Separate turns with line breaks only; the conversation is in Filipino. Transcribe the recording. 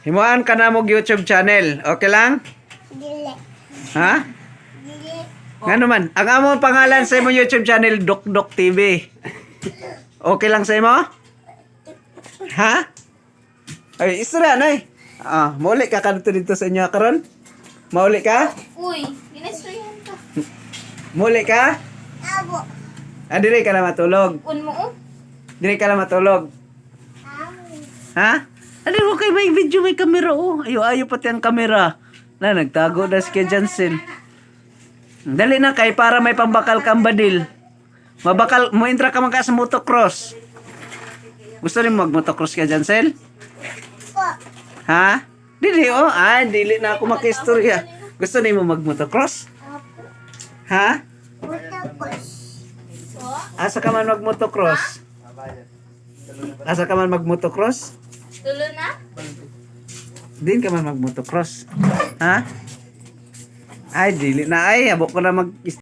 Himuan ka na mong YouTube channel. Okay lang?
Dili.
Ha?
Dili.
Nga naman. Ang among pangalan sa imong YouTube channel, Dokdok TV. Okay lang sa imo? Ha? Ay, isra na eh. Mauli ka kanto dito sa inyo karon? Mauli ka?
Uy, ginastroyan ka.
Mauli ka?
Abo.
Dire ka na matulog.
Un mo, oh.
Dire ka na matulog. Ha? Ano mo kay may video, may kamera oh. Ayo pati ang kamera. Na nagtago na si Kuya Jansen. Dali na kay para may pambakal kang badil. Mabakal mo entra ka man ka sa motocross. Gusto rin mo mag-motocross ka Jansen?
Po.
Ha? Dili oh. Dili na ako makistorya. Gusto ni mo mag-motocross?
Apo.
Ha?
Tapos.
Asa ka man mag-motocross? Asa ka man mag-motocross?
Tulo na?
Din ka man mag-motocross. Ha? Ay, dili na ay. Habok ko na mag